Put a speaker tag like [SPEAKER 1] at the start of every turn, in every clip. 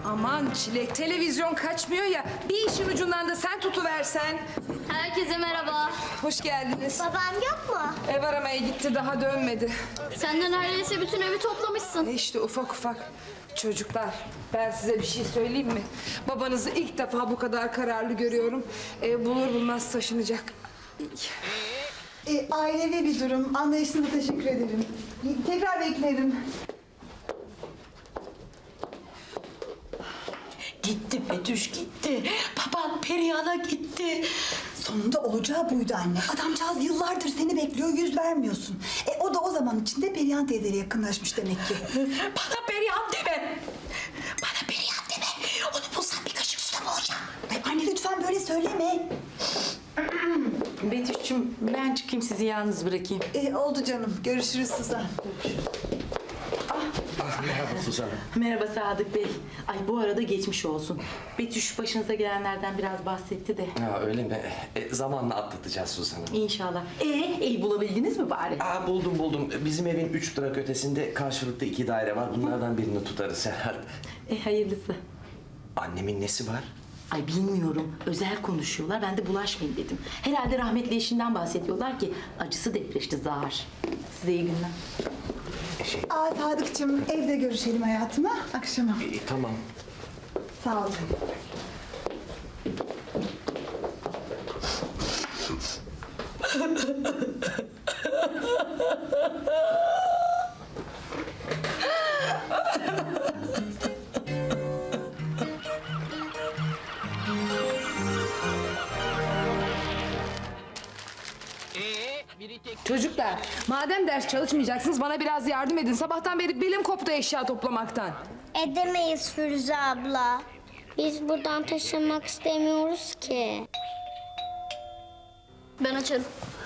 [SPEAKER 1] Aman Çilek, televizyon kaçmıyor ya. Bir işin ucundan da sen tutuversen.
[SPEAKER 2] Herkese merhaba.
[SPEAKER 1] Hoş geldiniz.
[SPEAKER 2] Babam yok mu?
[SPEAKER 1] Ev aramaya gitti, daha dönmedi.
[SPEAKER 2] Sen de neredeyse bütün evi toplamışsın.
[SPEAKER 1] İşte ufak ufak. Çocuklar, ben size bir şey söyleyeyim mi? Babanızı ilk defa bu kadar kararlı görüyorum. Ev bulur bulmaz taşınacak.
[SPEAKER 3] Ailevi bir durum. Anlayışınıza teşekkür ederim. Tekrar beklerim.
[SPEAKER 4] Gitti Betüş gitti. Baban Perihan'a gitti.
[SPEAKER 3] Sonunda olacağı buydu anne. Adamcağız yıllardır seni bekliyor, yüz vermiyorsun. O da o zaman içinde Perihan teyzeyle yakınlaşmış demek ki.
[SPEAKER 4] Bana Perihan deme. Bana Perihan deme. Onu bulsam bir kaşık suda boğacağım.
[SPEAKER 3] Ay anne lütfen böyle söyleme.
[SPEAKER 4] Betüş'cüğüm ben çıkayım sizi yalnız bırakayım.
[SPEAKER 3] Oldu canım. Görüşürüz Suzan.
[SPEAKER 5] Merhaba Suzan.
[SPEAKER 4] Merhaba Sadık Bey. Ay bu arada geçmiş olsun. Betüş başınıza gelenlerden biraz bahsetti de.
[SPEAKER 5] Ha öyle mi? Zamanla atlatacağız Suzan'ı.
[SPEAKER 4] İnşallah. Ev bulabildiniz mi bari?
[SPEAKER 5] Buldum. Bizim evin 3 durak ötesinde karşılıklı 2 daire var. Bunlardan birini tutarız herhalde.
[SPEAKER 4] Hayırlısı.
[SPEAKER 5] Annemin nesi var?
[SPEAKER 4] Ay bilmiyorum. Özel konuşuyorlar. Ben de bulaşmayayım dedim. Herhalde rahmetli eşinden bahsediyorlar ki acısı depreşti zar. Size iyi günler.
[SPEAKER 3] Sadıkçım evde görüşelim hayatım ha akşama.
[SPEAKER 5] Tamam.
[SPEAKER 3] Sağ ol.
[SPEAKER 1] Çocuklar, madem ders çalışmayacaksınız bana biraz yardım edin. Sabahtan beri belim koptu eşya toplamaktan.
[SPEAKER 6] Edemeyiz Firuze abla. Biz buradan taşınmak istemiyoruz ki.
[SPEAKER 2] Ben açarım.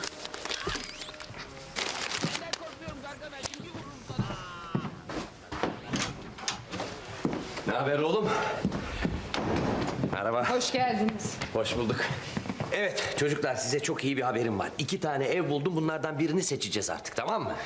[SPEAKER 5] Ne haber oğlum? Merhaba.
[SPEAKER 1] Hoş geldiniz.
[SPEAKER 5] Hoş bulduk. Evet çocuklar size çok iyi bir haberim var. 2 tane ev buldum. Bunlardan birini seçeceğiz artık, tamam mı?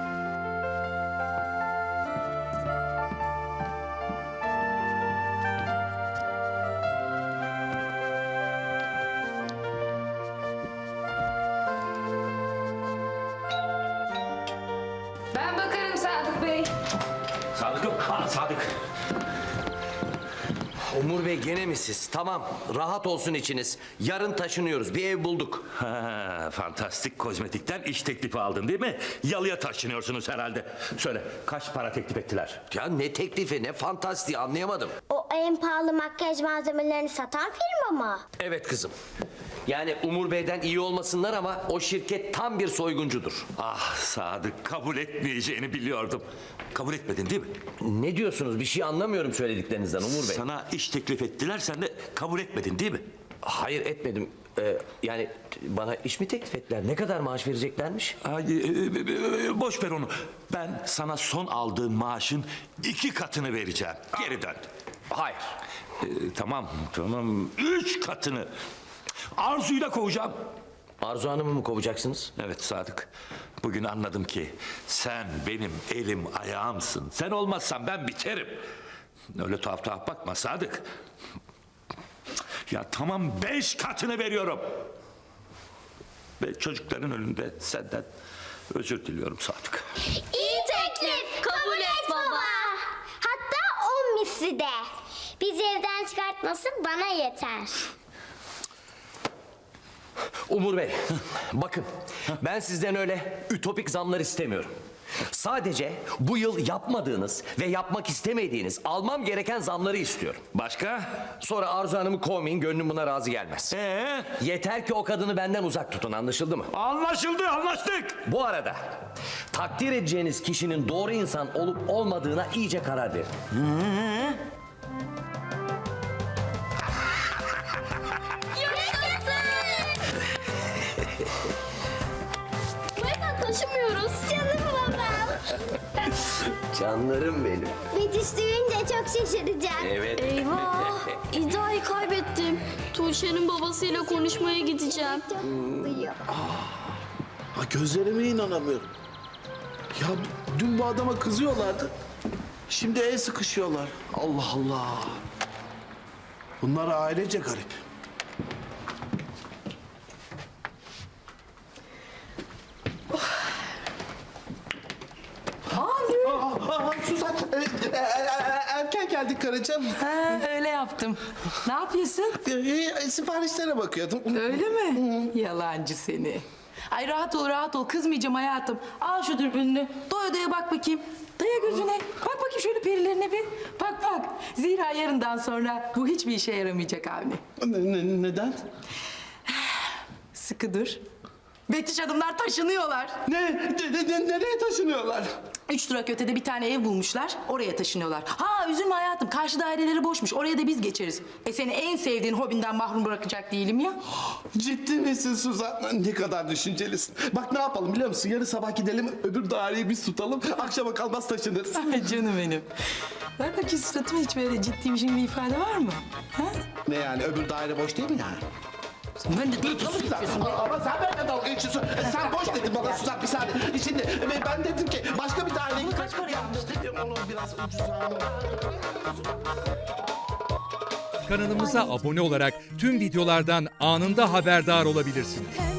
[SPEAKER 1] Ben bakarım Sadık Bey.
[SPEAKER 5] Sadık yok. Sadık. Umur Bey gene mi siz? Tamam, rahat olsun içiniz. Yarın taşınıyoruz, bir ev bulduk.
[SPEAKER 7] Ha, fantastik kozmetikten iş teklifi aldın değil mi? Yalıya taşınıyorsunuz herhalde. Söyle kaç para teklif ettiler?
[SPEAKER 5] Ya ne teklifi, ne fantastiği anlayamadım.
[SPEAKER 6] O en pahalı makyaj malzemelerini satan firma mı?
[SPEAKER 5] Evet kızım. Yani Umur Bey'den iyi olmasınlar ama o şirket tam bir soyguncudur.
[SPEAKER 7] Ah Sadık, kabul etmeyeceğini biliyordum. Kabul etmedin değil mi?
[SPEAKER 5] Ne diyorsunuz? Bir şey anlamıyorum söylediklerinizden Umur Bey.
[SPEAKER 7] Sana iş teklif ettiler, sen de kabul etmedin değil mi?
[SPEAKER 5] Hayır etmedim. Yani bana iş mi teklif ettiler? Ne kadar maaş vereceklermiş?
[SPEAKER 7] Ay, boş ver onu. Ben sana son aldığın maaşın 2 katını vereceğim. Geri dön.
[SPEAKER 5] Hayır.
[SPEAKER 7] Tamam. 3 katını. Arzu'yla kovacağım.
[SPEAKER 5] Arzu Hanım'ı mı kovacaksınız?
[SPEAKER 7] Evet Sadık. Bugün anladım ki sen benim elim ayağımsın. Sen olmazsan ben biterim. Öyle tuhaf tuhaf bakma Sadık. Ya tamam 5 katını veriyorum. Ve çocukların önünde senden özür diliyorum Sadık.
[SPEAKER 6] İyi teklif. Kabul et baba. Hatta 10 misli de. Bizi evden çıkartması bana yeter.
[SPEAKER 5] Umur Bey, bakın ben sizden öyle ütopik zamlar istemiyorum. Sadece bu yıl yapmadığınız ve yapmak istemediğiniz almam gereken zamları istiyorum.
[SPEAKER 7] Başka?
[SPEAKER 5] Sonra Arzu Hanım'ı kovmayın, gönlüm buna razı gelmez. Yeter ki o kadını benden uzak tutun, anlaşıldı mı?
[SPEAKER 7] Anlaşıldı, anlaştık.
[SPEAKER 5] Bu arada takdir edeceğiniz kişinin doğru insan olup olmadığına iyice karar verin.
[SPEAKER 2] Bu evden taşımıyoruz.
[SPEAKER 6] Canım babam.
[SPEAKER 5] Canlarım benim.
[SPEAKER 6] Betüş duyunca çok şaşıracak.
[SPEAKER 5] Evet.
[SPEAKER 2] Eyvah. İddiayı kaybettim. Tuğçe'nin babasıyla konuşmaya gideceğim.
[SPEAKER 6] Çok mutluyum.
[SPEAKER 8] Ha, gözlerime inanamıyorum. Ya dün bu adama kızıyorlardı. Şimdi el sıkışıyorlar. Allah Allah. Bunlar ailece garip. Suzan, erken geldik karıcığım.
[SPEAKER 4] Ha, öyle yaptım. Ne yapıyorsun?
[SPEAKER 8] Siparişlere bakıyordum.
[SPEAKER 4] Öyle mi? Yalancı seni. Ay rahat ol rahat ol kızmayacağım hayatım. Al şu dürbününü. Doya doya bak bakayım. Daya gözüne. Bak bakayım şöyle perilerine bir. Bak bak. Zira yarından sonra bu hiçbir işe yaramayacak Avni.
[SPEAKER 8] Neden?
[SPEAKER 4] Sıkı dur. Betüş Hanımlar taşınıyorlar.
[SPEAKER 8] Nereye taşınıyorlar?
[SPEAKER 4] 3 durak ötede bir tane ev bulmuşlar. Oraya taşınıyorlar. Ha üzülme hayatım. Karşı daireleri boşmuş. Oraya da biz geçeriz. Seni en sevdiğin hobinden mahrum bırakacak değilim ya.
[SPEAKER 8] Ciddi misin Suzan? Ne kadar düşüncelisin. Bak ne yapalım biliyor musun? Yarın sabah gidelim öbür daireyi biz tutalım. Akşama kalmaz taşınırız.
[SPEAKER 4] Ay canım benim. Bak bakayım suratıma hiç böyle ciddiymişim bir ifade var mı? Ha?
[SPEAKER 8] Ne yani öbür daire boş değil mi yani?
[SPEAKER 4] Ben de
[SPEAKER 8] Ama sen benimle dalga geçiyorsun. Sen boş dedin bana Suzan bir saniye. Şimdi ben dedim ki başka bir daireye git.
[SPEAKER 4] kaç para yapmıştı?
[SPEAKER 8] Onu biraz ucuza
[SPEAKER 9] Kanalımıza abone olarak tüm videolardan anında haberdar olabilirsiniz.